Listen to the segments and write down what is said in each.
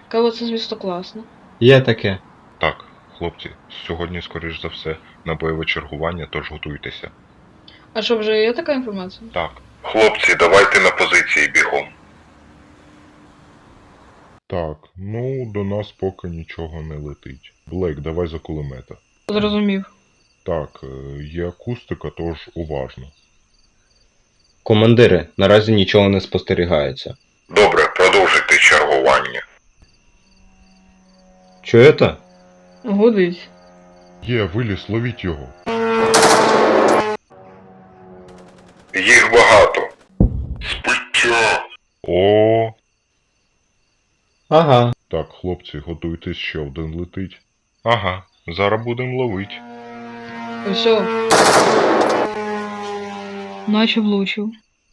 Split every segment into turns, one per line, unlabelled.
Кава це, звісно, класно.
Є таке.
Так, хлопці, сьогодні, скоріш за все, на бойове чергування, тож готуйтеся.
А що, вже є така інформація?
Так. Хлопці, давайте на позиції бігом. Так, ну, до нас поки нічого не летить. Блейк, давай за кулемета.
Зрозумів.
Так, є акустика, тож уважно.
Командири, наразі нічого не спостерігається.
Добре, продовжуйте чергування.
Чуєте?
Годить.
Є, виліз, ловіть його. Їх багато. Спиття. О.
Ага.
Так, хлопці, готуйтесь, ще один летить. Ага, зараз будемо ловить.
Все. Наче влучив.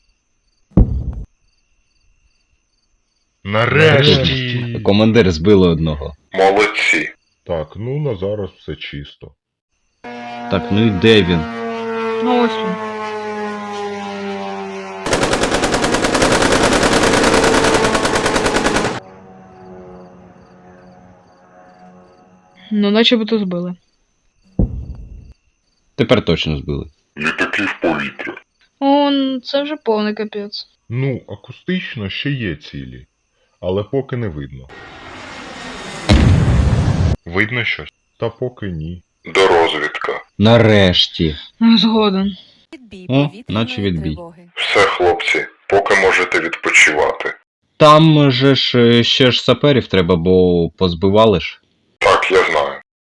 Нарешті!
Командир збили одного.
Молодці. Так, ну на зараз все чисто.
Так, ну і де він?
Ну ось він. Ну, наче би то збили.
Тепер точно збили.
Літаки в повітря.
Це вже повний капець.
Ну, акустично ще є цілі, але поки не видно. Видно щось? Та поки ні. Дорозвідка.
Нарешті.
Згоден.
Відбій
О,
повітряної
наче відбій.
тривоги.
Все, хлопці, поки можете відпочивати.
Там же ж ще ж саперів треба, бо позбивали ж.
Так, я знаю.